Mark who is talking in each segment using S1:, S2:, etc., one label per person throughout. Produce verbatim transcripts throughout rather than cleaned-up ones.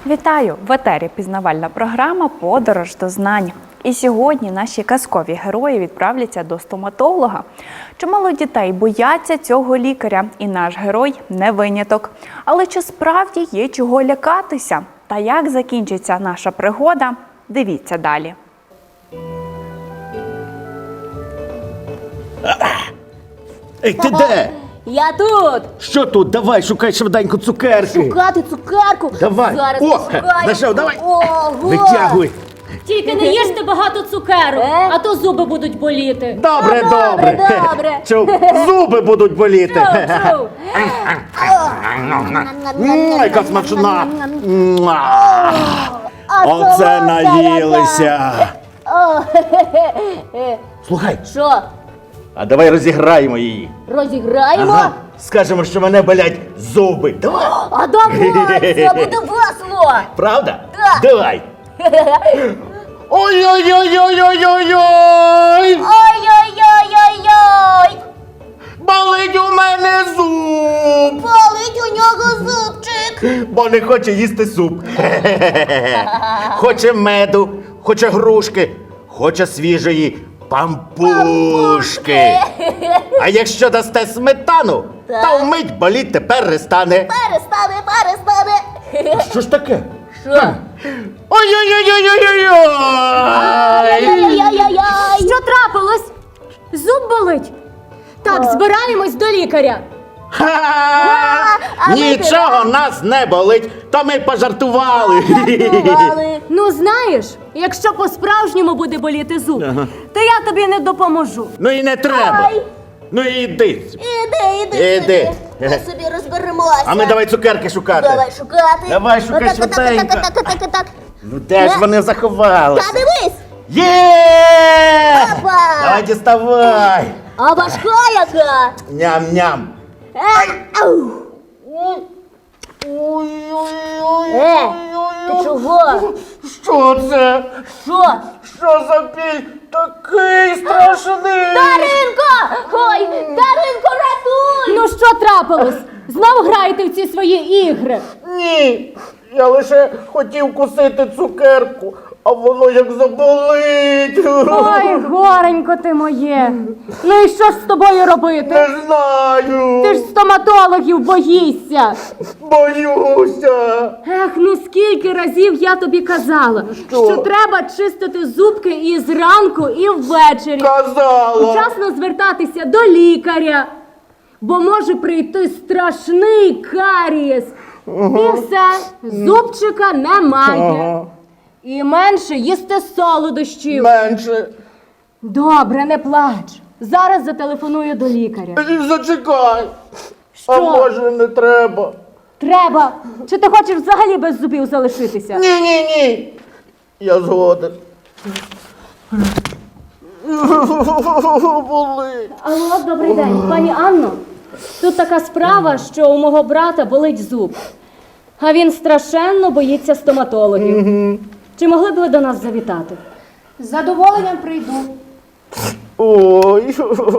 S1: Вітаю! В етері пізнавальна програма «Подорож до знань». І сьогодні наші казкові герої відправляться до стоматолога. Чимало дітей бояться цього лікаря, і наш герой не виняток. Але чи справді є чого лякатися? Та як закінчиться наша пригода? Дивіться далі.
S2: Ей, ти де?
S3: Я тут!
S2: Що тут? Давай, шукай швиденько цукерки.
S3: Шукати цукерку!
S2: Давай.
S3: Зараз
S2: О,
S3: пошукаю.
S2: знайшов, давай.
S3: Ого!
S2: Витягуй.
S4: Тільки не їжте багато цукерок,
S3: Е?
S4: а то зуби будуть боліти.
S2: Добре,
S3: Ну, добре,
S2: добре.
S3: добре.
S2: Чув, зуби будуть боліти.
S4: Чув, чув.
S2: М, Яка смачна. Муа.
S3: А
S2: Оце
S3: солодка
S2: наїлися.
S3: яка. О, хе-хе-хе.
S2: Слухай,
S3: Що,
S2: а давай розіграємо її.
S3: розіграємо?
S2: Ага. Скажемо, що мене болять зуби. Давай.
S3: А давай, це буде весело!
S2: Правда?
S3: Так.
S2: Давай. Ой-ой-ой-ой-ой-ой-ой!
S3: Ой-ой-ой-ой-ой!
S2: Болить у мене зуб!
S3: Болить у нього зубчик!
S2: Бо не хоче їсти суп. Хоче меду, хоче грушки, хоче свіжої пампушки. А якщо дасте сметану,
S3: Так.
S2: то вмить боліти перестане.
S3: Перестане, перестане!
S2: А що ж таке?
S3: Що?
S2: Ой-ой-ой-ой-ой-ой!
S3: Ай-яй-яй-яй!
S4: Що трапилось? Зуб болить? Так, збираємось до лікаря.
S2: Ха!
S3: а ми
S2: Нічого нас не болить, то ми пожартували.
S3: Бували.
S4: Ну знаєш, якщо по-справжньому буде боліти зуб,
S2: Ага.
S4: то я тобі не допоможу.
S2: Ну і не треба.
S3: Ай.
S2: Ну і йди.
S3: Іди, іди,
S2: Іди.
S3: собі. Ми собі розберемося.
S2: А ми давай цукерки шукати.
S3: Давай шукати.
S2: Давай, шукай
S3: Отак, отак,
S2: швиденько.
S3: отак, отак, отак, отак.
S2: Ну де ж вони
S3: Та
S2: заховалися?
S3: дивись!
S2: Є!
S3: Опа!
S2: Давай діставай.
S3: А важка яка!
S2: Ням-ням.
S3: Е, ау. Е, ти чого?
S2: Що це?
S3: Що?
S2: Що за біль такий страшний?
S3: Даринко! Ой, Даринко, рятуй!
S4: Ну що трапилось? Знов граєте в ці свої ігри.
S2: Ні, я лише хотів кусити цукерку, а воно як заболить.
S4: Ой, горенько ти моє. Ну і що ж з тобою робити?
S2: Не знаю.
S4: Ти ж стоматологів боїшся.
S2: Боюся.
S4: Ех, ну скільки разів я тобі казала,
S2: Що?
S4: що треба чистити зубки і зранку, і ввечері.
S2: Казала.
S4: Вчасно звертатися до лікаря, бо може прийти страшний карієс. І все, зубчика немає.
S2: Ага.
S4: І менше їсти солодощів.
S2: Менше.
S4: Добре, не плач. Зараз зателефоную до лікаря.
S2: Зачекай.
S4: Що?
S2: А може не треба?
S4: Треба. Чи ти хочеш взагалі без зубів залишитися?
S2: Ні, ні, ні. Я згоден. Болить.
S4: Алло, добрий день. Пані Анно, тут така справа, що у мого брата болить зуб. А він страшенно боїться стоматологів. Чи могли б ви до нас завітати? З задоволенням прийду.
S2: Ой.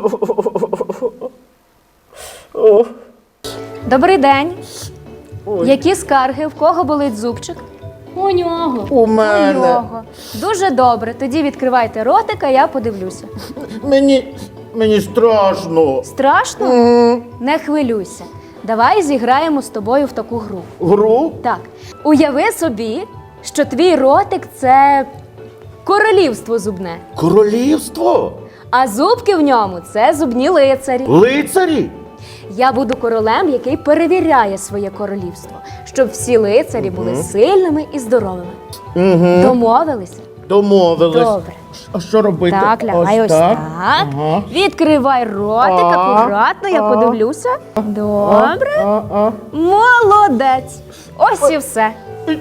S2: О.
S5: Добрий день.
S2: Ой.
S5: Які скарги? В кого болить зубчик?
S4: У нього.
S2: У мене.
S5: У нього. Дуже добре. Тоді відкривайте ротика, я подивлюся.
S2: Мені, мені страшно.
S5: Страшно?
S2: М,
S5: Не хвилюйся. Давай зіграємо з тобою в таку гру.
S2: Гру?
S5: Так. Уяви собі, що твій ротик – це королівство зубне,
S2: Королівство?
S5: а зубки в ньому – це зубні лицарі.
S2: Лицарі?
S5: Я буду королем, який перевіряє своє королівство, щоб всі лицарі були сильними і здоровими.
S2: Угу.
S5: Домовилися?
S2: Домовились.
S5: Добре.
S2: А що робити?
S5: Так, лягай ось так.
S2: Ага.
S5: Відкривай ротик,
S2: А,
S5: акуратно, я
S2: а.
S5: подивлюся. Добре.
S2: А, а.
S5: Молодець. Ось і все.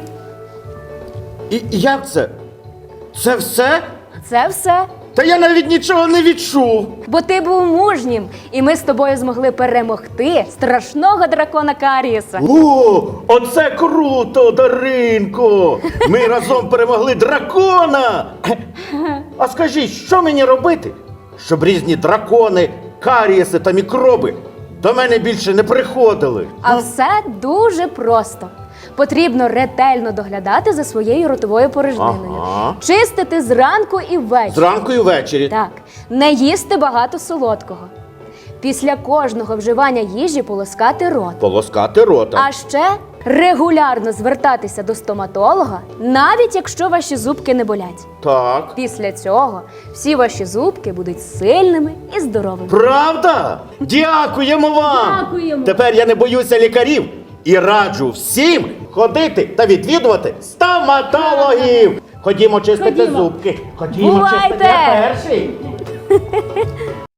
S2: І як це? Це все?
S5: Це все.
S2: Та я навіть нічого не відчув.
S5: Бо ти був мужнім, і ми з тобою змогли перемогти страшного дракона Карієса.
S2: О, оце круто, Даринко! Ми разом перемогли дракона! А скажіть, що мені робити, щоб різні дракони, карієси та мікроби до мене більше не приходили?
S5: А все дуже просто. Потрібно ретельно доглядати за своєю ротовою порожниною.
S2: Ага.
S5: Чистити зранку і ввечері.
S2: Зранку і ввечері.
S5: Так, не їсти багато солодкого. Після кожного вживання їжі полоскати рот.
S2: Полоскати рота.
S5: А ще регулярно звертатися до стоматолога, навіть якщо ваші зубки не болять.
S2: Так.
S5: Після цього всі ваші зубки будуть сильними і здоровими.
S2: Правда? Дякуємо вам!
S4: Дякуємо.
S2: Тепер я не боюся лікарів і раджу всім ходити та відвідувати стоматологів. Ходімо чистити
S4: Ходімо.
S2: зубки. Ходімо
S5: Бувайте!
S2: чистити. Я перший.